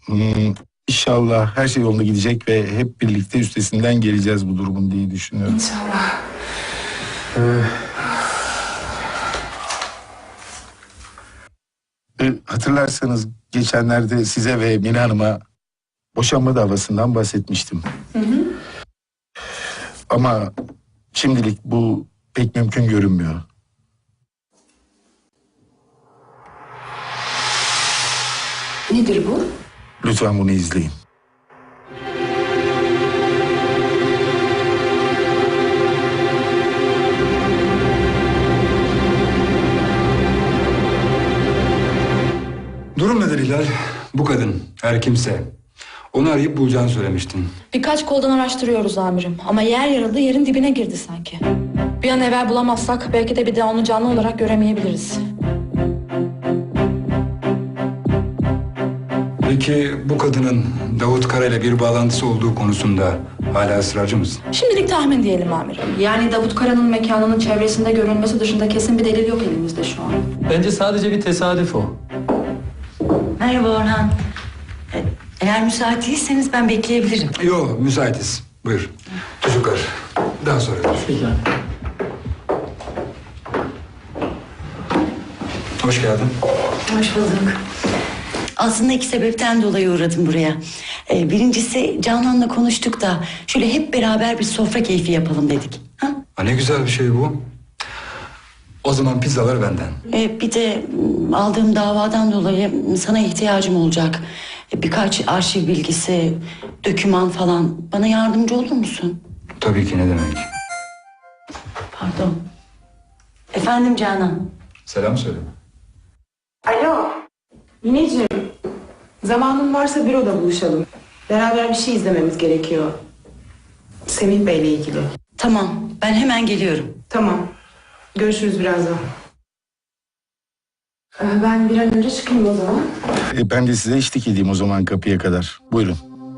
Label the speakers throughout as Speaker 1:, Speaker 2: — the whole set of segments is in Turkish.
Speaker 1: İnşallah her şey yolunda gidecek ve hep birlikte üstesinden geleceğiz bu durumun diye düşünüyorum.
Speaker 2: İnşallah.
Speaker 1: Hatırlarsanız geçenlerde size ve Mine Hanım'a boşanma davasından bahsetmiştim.
Speaker 2: Hı hı.
Speaker 1: Ama şimdilik bu pek mümkün görünmüyor.
Speaker 2: Nedir bu?
Speaker 1: Lütfen bunu izleyin.
Speaker 3: Durum nedir Hilal? Bu kadın, her kimse. Onu arayıp bulacağını söylemiştin.
Speaker 4: Birkaç koldan araştırıyoruz amirim. Ama yer yarıldı, yerin dibine girdi sanki. Bir an evvel bulamazsak belki de bir daha onu canlı olarak göremeyebiliriz.
Speaker 3: Peki bu kadının Davut Kara ile bir bağlantısı olduğu konusunda hala ısrarcı mısın?
Speaker 4: Şimdilik tahmin diyelim amirim. Yani Davut Kara'nın mekanının çevresinde görünmesi dışında kesin bir delil yok elimizde şu an.
Speaker 5: Bence sadece bir tesadüf o.
Speaker 6: Merhaba Orhan. Eğer müsait değilseniz ben bekleyebilirim.
Speaker 3: Yok, müsaitiz. Buyur. Çocuklar, daha sonra görüşürüz.
Speaker 5: Peki.
Speaker 3: Hoş geldin.
Speaker 6: Hoş bulduk. Aslında iki sebepten dolayı uğradım buraya. Birincisi Canan'la konuştuk da şöyle hep beraber bir sofra keyfi yapalım dedik. Ha?
Speaker 3: Ha, ne güzel bir şey bu. O zaman pizzalar benden.
Speaker 6: Bir de aldığım davadan dolayı sana ihtiyacım olacak. Birkaç arşiv bilgisi, doküman falan. Bana yardımcı olur musun?
Speaker 3: Tabii ki, ne demek.
Speaker 6: Pardon. Efendim Canan.
Speaker 3: Selam söyle.
Speaker 2: Alo. Mineciğim. Zamanın varsa büroda buluşalım. Beraber bir şey izlememiz gerekiyor. Semih Bey'le ilgili.
Speaker 6: Tamam, ben hemen geliyorum.
Speaker 2: Tamam. Görüşürüz birazdan. Ben bir an önce çıkayım o zaman.
Speaker 1: Ben de size eşlik edeyim o zaman kapıya kadar. Buyurun.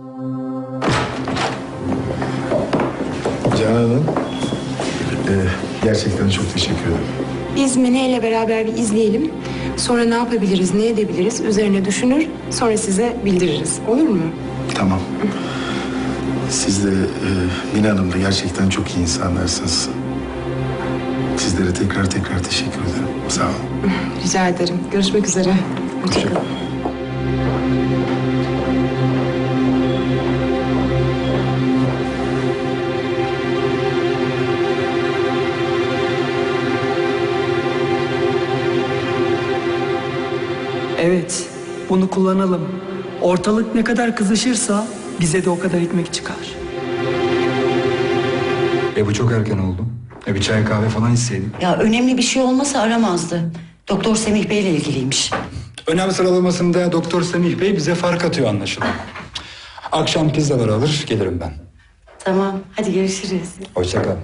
Speaker 1: Canan Hanım, gerçekten çok teşekkür ederim.
Speaker 2: Biz Mine ile beraber bir izleyelim. Sonra ne yapabiliriz, ne edebiliriz üzerine düşünür. Sonra size bildiririz. Olur mu?
Speaker 1: Tamam. Siz de Mine Hanım da gerçekten çok iyi insanlarsınız. Sizlere tekrar teşekkür ederim. Sağ olun.
Speaker 2: Rica ederim. Görüşmek üzere. Hoşçakalın.
Speaker 7: Evet, bunu kullanalım. Ortalık ne kadar kızışırsa bize de o kadar ekmek çıkar.
Speaker 3: Bu çok erken oldu. Bir çay kahve falan içseydin.
Speaker 6: Ya önemli bir şey olmasa aramazdı. Doktor Semih Bey'le ilgiliymiş.
Speaker 3: Önem sıralamasında Doktor Semih Bey bize fark atıyor anlaşılan. Akşam pizzalar alır, gelirim ben.
Speaker 6: Tamam, hadi görüşürüz.
Speaker 3: Hoşça kal.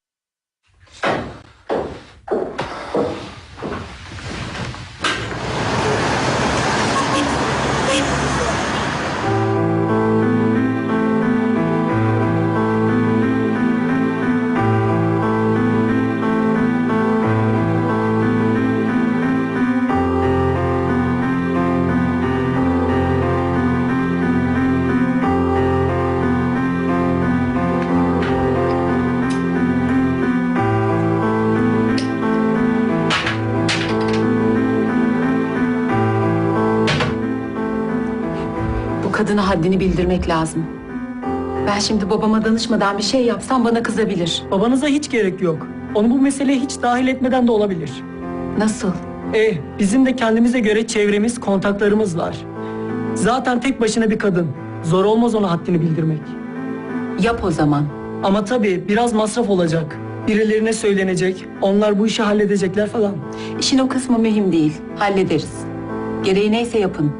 Speaker 8: Kadına haddini bildirmek lazım. Ben şimdi babama danışmadan bir şey yapsam bana kızabilir.
Speaker 7: Babanıza hiç gerek yok. Onu bu meseleye hiç dahil etmeden de olabilir.
Speaker 8: Nasıl?
Speaker 7: Bizim de kendimize göre çevremiz, kontaklarımız var. Zaten tek başına bir kadın. Zor olmaz ona haddini bildirmek.
Speaker 8: Yap o zaman.
Speaker 7: Ama tabii biraz masraf olacak. Birilerine söylenecek, onlar bu işi halledecekler falan.
Speaker 8: İşin o kısmı mühim değil. Hallederiz. Gereği neyse yapın.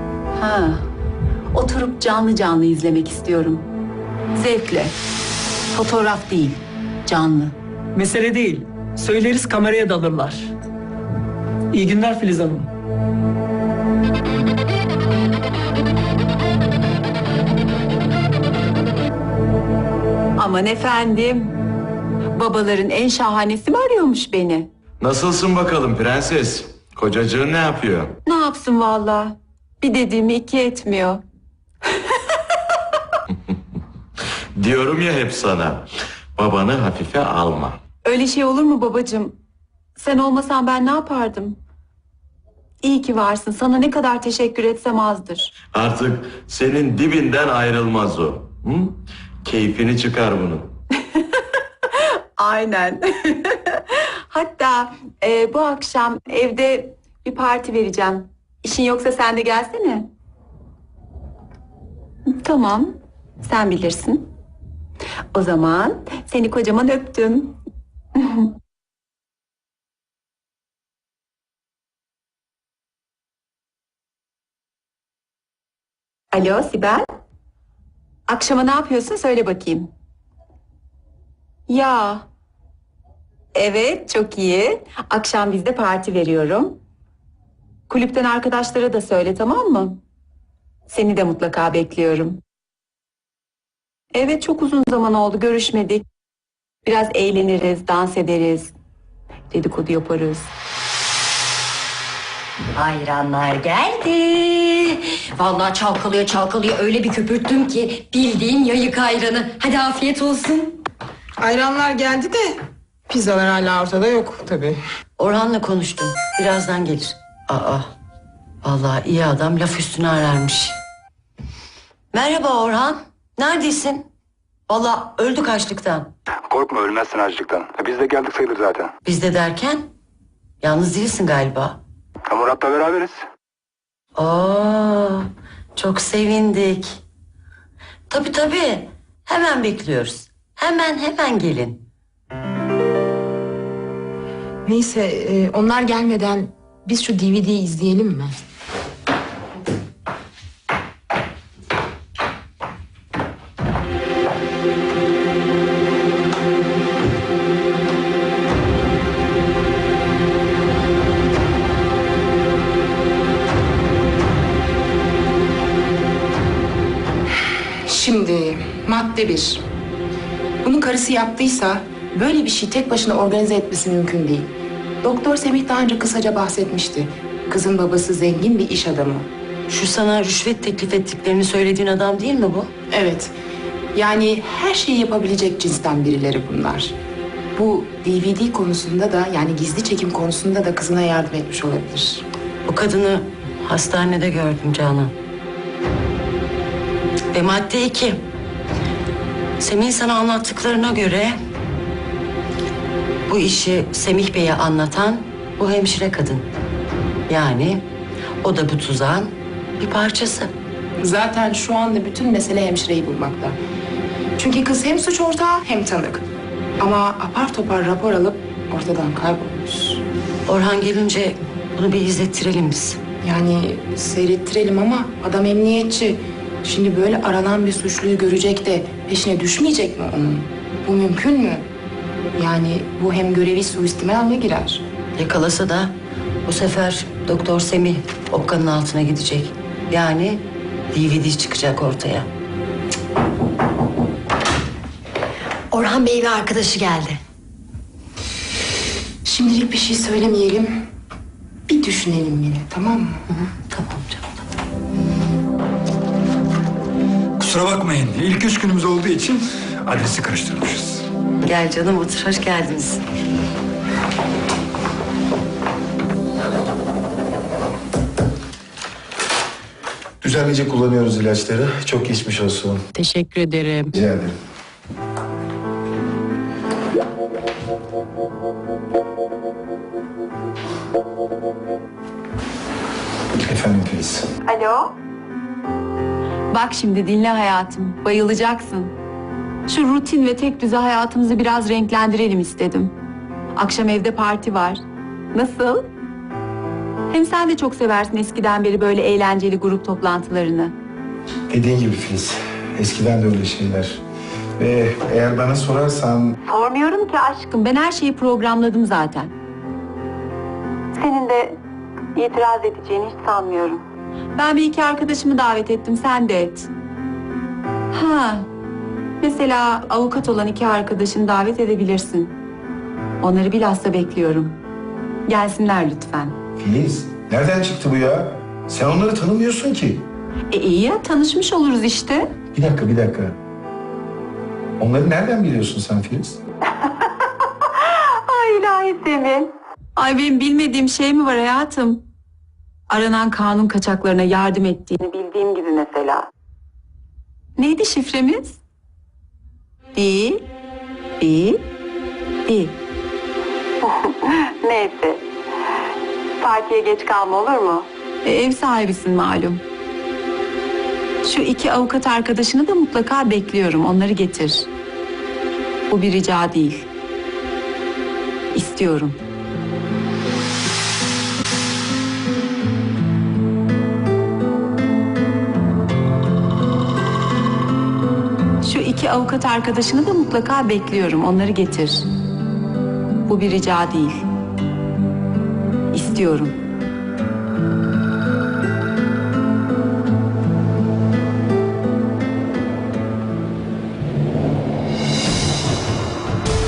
Speaker 8: Oturup canlı canlı izlemek istiyorum. Zevkle. Fotoğraf değil, canlı.
Speaker 7: Mesele değil. Söyleriz kameraya dalırlar. İyi günler Filiz Hanım.
Speaker 8: Aman efendim. Babaların en şahanesi mi arıyormuş beni?
Speaker 9: Nasılsın bakalım prenses? Kocacığın ne yapıyor?
Speaker 8: Ne yapsın vallahi? Bir dediğimi iki etmiyor.
Speaker 9: Diyorum ya hep sana. Babanı hafife alma.
Speaker 8: Öyle şey olur mu babacığım? Sen olmasan ben ne yapardım? İyi ki varsın. Sana ne kadar teşekkür etsem azdır.
Speaker 9: Artık senin dibinden ayrılmaz o. Hı? Keyfini çıkar bunun.
Speaker 8: Aynen. Hatta bu akşam evde bir parti vereceğim. İşin yoksa sen de gelsene. Tamam, sen bilirsin. O zaman seni kocaman öptüm. Alo Sibel. Akşama ne yapıyorsun söyle bakayım. Ya. Evet, çok iyi. Akşam bizde parti veriyorum. Kulüpten arkadaşlara da söyle, tamam mı? Seni de mutlaka bekliyorum. Evet, çok uzun zaman oldu, görüşmedik. Biraz eğleniriz, dans ederiz. Dedikodu yaparız.
Speaker 10: Ayranlar geldi. Vallahi çalkalıyor çalkalıyor öyle bir köpürttüm ki bildiğin yayık ayranı. Hadi afiyet olsun.
Speaker 2: Ayranlar geldi de pizzalar hala ortada yok tabii.
Speaker 6: Orhan'la konuştum. Birazdan gelir. Aa, vallahi iyi adam laf üstüne ararmış. Merhaba Orhan. Neredesin? Vallahi öldük açlıktan.
Speaker 3: Korkma ölmezsin açlıktan. Biz de geldik sayılır zaten.
Speaker 6: Biz de derken yalnız değilsin galiba.
Speaker 3: Murat'la beraberiz.
Speaker 6: Oo, çok sevindik. Tabii. Hemen bekliyoruz. Hemen gelin.
Speaker 2: Neyse onlar gelmeden biz şu DVD'yi izleyelim mi? Şimdi madde 1. Bunu karısı yaptıysa böyle bir şey tek başına organize etmesi mümkün değil. Doktor Semih daha önce kısaca bahsetmişti. Kızın babası zengin bir iş adamı.
Speaker 6: Şu sana rüşvet teklif ettiklerini söylediğin adam değil mi bu?
Speaker 2: Evet. Yani her şeyi yapabilecek cinsten birileri bunlar. Bu DVD konusunda da yani gizli çekim konusunda da kızına yardım etmiş olabilir.
Speaker 6: Bu kadını hastanede gördüm Canan. Ve madde 2. Semih'in sana anlattıklarına göre bu işi Semih Bey'e anlatan bu hemşire kadın. Yani o da bu tuzağın bir parçası.
Speaker 2: Zaten şu anda bütün mesele hemşireyi bulmakta. Çünkü kız hem suç ortağı hem tanık. Ama apar topar rapor alıp ortadan kaybolmuş.
Speaker 6: Orhan gelince bunu bir izlettirelim biz.
Speaker 2: Yani seyrettirelim ama adam emniyetçi. Şimdi böyle aranan bir suçluyu görecek de peşine düşmeyecek mi onun? Bu mümkün mü? Yani bu hem görevi suistimalle girer.
Speaker 6: Yakalasa da bu sefer Doktor Semih okkanın altına gidecek. Yani DVD çıkacak ortaya.
Speaker 10: Orhan Bey ve arkadaşı geldi.
Speaker 2: Şimdilik bir şey söylemeyelim. Bir düşünelim yine, tamam mı?
Speaker 6: Tamam canım.
Speaker 3: Kusura bakmayın. İlk 3 günümüz olduğu için adresi karıştırmışız.
Speaker 6: Gel canım otur, hoş geldiniz.
Speaker 1: Düzenlice kullanıyoruz ilaçları. Çok geçmiş olsun.
Speaker 8: Teşekkür ederim.
Speaker 1: Rica ederim. Efendim Filiz.
Speaker 8: Alo. Bak şimdi dinle hayatım. Bayılacaksın. Şu rutin ve tek düze hayatımızı biraz renklendirelim istedim. Akşam evde parti var. Nasıl? Hem sen de çok seversin eskiden beri böyle eğlenceli grup toplantılarını.
Speaker 1: Dediğin gibi Filiz. Eskiden de öyle şeyler. Ve eğer bana sorarsan...
Speaker 8: Sormuyorum ki aşkım. Ben her şeyi programladım zaten. Senin de itiraz edeceğini hiç sanmıyorum. Ben bir iki arkadaşımı davet ettim. Sen de et. Ha. Mesela avukat olan 2 arkadaşını davet edebilirsin. Onları bilhassa bekliyorum. Gelsinler lütfen.
Speaker 1: Filiz, nereden çıktı bu ya? Sen onları tanımıyorsun ki.
Speaker 8: İyi ya, tanışmış oluruz işte.
Speaker 1: Bir dakika. Onları nereden biliyorsun sen Filiz?
Speaker 8: Ay ilahi Semih. Ay benim bilmediğim şey mi var hayatım? Aranan kanun kaçaklarına yardım ettiğini bildiğim gibi mesela. Neydi şifremiz? Değil. Neyse. Partiye geç kalma olur mu? Ev sahibisin malum. Şu 2 avukat arkadaşını da mutlaka bekliyorum. Onları getir. Bu bir rica değil. İstiyorum. Şu 2 avukat arkadaşını da mutlaka bekliyorum. Onları getir. Bu bir rica değil. İstiyorum.